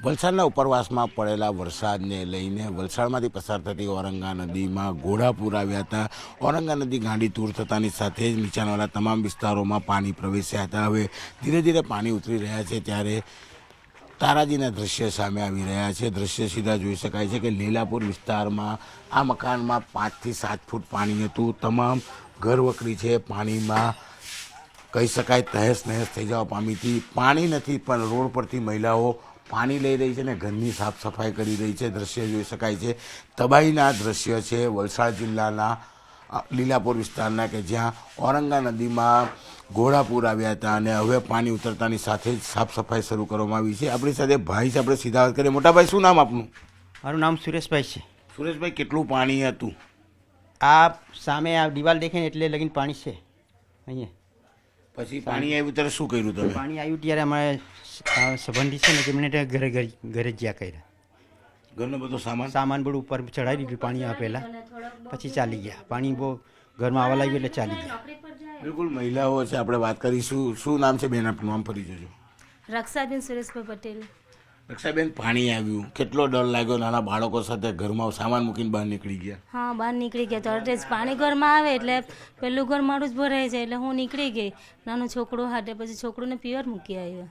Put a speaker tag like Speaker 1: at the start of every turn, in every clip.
Speaker 1: વલસાડના ઉપરવાસમાં પડેલા વરસાદને લઈને વલસાડમાંથી પસાર થતી ઔરંગા નદીમાં ઘોડાપૂર આવ્યા હતા. ઔરંગા નદી ગાંડી તૂર થતાની સાથે જ નીચાણવાળા તમામ વિસ્તારોમાં પાણી પ્રવેશ્યા હતા. હવે ધીરે ધીરે પાણી ઉતરી રહ્યા છે ત્યારે તારાજીના દ્રશ્ય સામે આવી રહ્યા છે. દ્રશ્ય સીધા જોઈ શકાય છે કે લીલાપુર વિસ્તારમાં આ મકાનમાં 5 થી 7 ફૂટ પાણી હતું. તમામ ઘરવકરી છે પાણીમાં કહી શકાય તહેસ નહેસ થઈ જવા પામી હતી. પાણી નથી પણ રોડ પરથી મહિલાઓ પાણી લઈ રહી છે ને ઘરની સાફ સફાઈ કરી રહી છે. દ્રશ્ય જોઈ શકાય છે. તબાહીના દ્રશ્ય છે વલસાડ જિલ્લાના લીલાપુર વિસ્તારના કે જ્યાં ઔરંગા નદીમાં ઘોડાપૂર આવ્યા હતા અને હવે પાણી ઉતરતાની સાથે જ સાફ સફાઈ શરૂ કરવામાં આવી છે. આપણી સાથે ભાઈ છે, આપણે સીધા વાત કરીએ. મોટાભાઈ, શું નામ આપનું?
Speaker 2: મારું નામ સુરેશભાઈ છે.
Speaker 1: સુરેશભાઈ, કેટલું પાણી હતું?
Speaker 2: આ સામે આ દિવાલ દેખે ને એટલે લગીને પાણી છે અહીંયા.
Speaker 1: પછી પાણી આવ્યું ત્યારે શું કર્યું તમે?
Speaker 2: પાણી આવ્યું ત્યારે અમારે સંબંધી છે ને તેમને ઘરે જ્યાં કર્યા.
Speaker 1: ઘરનો બધો
Speaker 2: સામાન બધું ઉપર ચડાવી દીધું પાણી આવે પહેલાં, પછી ચાલી ગયા. પાણી બહુ ઘરમાં આવવા લાગ્યું એટલે ચાલી ગયા.
Speaker 1: બિલકુલ, મહિલાઓ છે, આપણે વાત કરીશું. શું નામ છે બેન આપનું? નામ ફરી જજો.
Speaker 3: રક્ષાબેન સુરેશભાઈ પટેલ.
Speaker 1: રક્ષાબેન, પાણી આવ્યું, કેટલો ડર લાગ્યો? નાના બાળકો સાથે ઘરમાં સામાન મૂકીને બહાર નીકળી ગયા?
Speaker 3: હા, બહાર નીકળી ગયા. તરત જ પાણી ઘરમાં આવે એટલે પેલું ઘર મારું જ ભરાય છે એટલે હું નીકળી ગઈ. નાનું છોકરું હાટે પછી છોકરુંને પિયર મૂકી આવ્યા.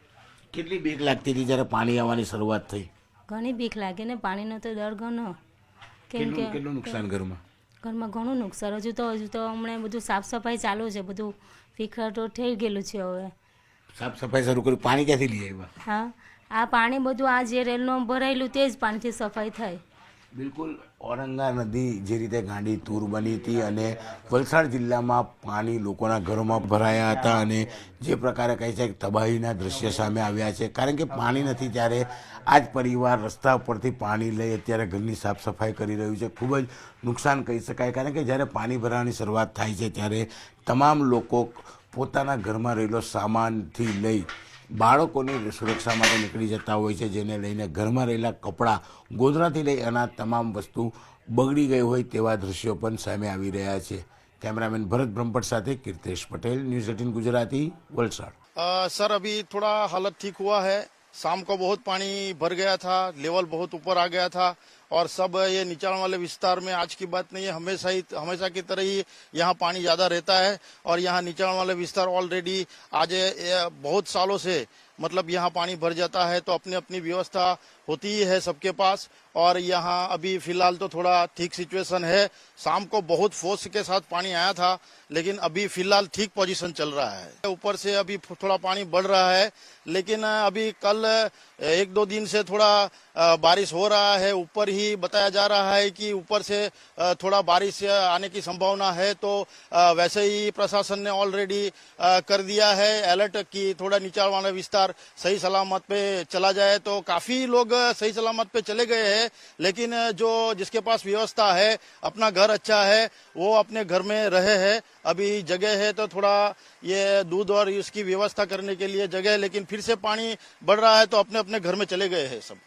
Speaker 1: કેટલી બીક લાગતી હતી જ્યારે પાણી આવવાની શરૂઆત થઈ?
Speaker 3: ઘણી બીક લાગે ને, પાણીનો તો ડર ઘણો. કેમ કે
Speaker 1: કેટલું નુકસાન ઘરમાં?
Speaker 3: ઘરમાં ઘણું નુકસાન. હજુ તો હમણાં બધું સાફ સફાઈ ચાલુ છે, બધું વિખરાટો થઈ ગયેલું છે. હવે
Speaker 1: સાફ સફાઈ શરૂ કરી. પાણી ક્યાંથી લઈ આવ્યા?
Speaker 3: હા, આ પાણી બધું આ જે રેલનું ભરાયેલું તે જ પાણીથી સફાઈ થાય.
Speaker 1: બિલકુલ, ઔરંગા નદી જે રીતે ગાંડી તૂર બની હતી અને વલસાડ જિલ્લામાં પાણી લોકોના ઘરોમાં ભરાયા હતા અને જે પ્રકારે કહે છે કે તબાહીના દ્રશ્ય સામે આવ્યા છે. કારણ કે પાણી નથી ત્યારે આ જ પરિવાર રસ્તા પરથી પાણી લઈ અત્યારે ઘરની સાફ સફાઈ કરી રહ્યું છે. ખૂબ જ નુકસાન કહી શકાય. કારણ કે જ્યારે પાણી ભરાવાની શરૂઆત થાય છે ત્યારે તમામ લોકો પોતાના ઘરમાં રહેલો સામાનથી લઈ બાળકોની સુરક્ષા માટે નીકળી જતા હોય છે, જેને લઈને ઘરમાં રહેલા કપડાં, ગોદડાથી લઈ અનાજ તમામ વસ્તુ બગડી ગઈ હોય તેવા દ્રશ્યો પણ સામે આવી રહ્યા છે. कैमरामैन भरत ब्रह्मपट साथ कीर्तेश पटेल, न्यूज़ 18 गुजराती, वलसाड।
Speaker 4: सर अभी थोड़ा हालत ठीक हुआ है। शाम को बहुत पानी भर गया था, लेवल बहुत ऊपर आ गया था और सब ये निचाण वाले विस्तार में आज की बात नहीं है, हमेशा की तरह ही यहाँ पानी ज्यादा रहता है और यहाँ निचाण वाले विस्तार ऑलरेडी आज बहुत सालों से मतलब यहाँ पानी भर जाता है, तो अपनी अपनी व्यवस्था होती ही है सबके पास। और यहाँ अभी फिलहाल तो थोड़ा ठीक सिचुएशन है। शाम को बहुत फोर्स के साथ पानी आया था, लेकिन अभी फिलहाल ठीक पोजीशन चल रहा है। ऊपर से अभी थोड़ा पानी बढ़ रहा है, लेकिन अभी कल 1-2 दिन से थोड़ा बारिश हो रहा है। ऊपर ही बताया जा रहा है कि ऊपर से थोड़ा बारिश आने की संभावना है, तो वैसे ही प्रशासन ने ऑलरेडी कर दिया है अलर्ट कि थोड़ा नीचाण वाला विस्तार सही सलामत पे चला जाए। तो काफी लोग सही सलामत पे चले गए हैं, लेकिन जो जिसके पास व्यवस्था है, अपना घर अच्छा है, वो अपने घर में रहे हैं। अभी जगह है तो थोड़ा ये दूध और इसकी व्यवस्था करने के लिए जगह है, लेकिन फिर से पानी बढ़ रहा है तो अपने अपने घर में चले गए हैं सब।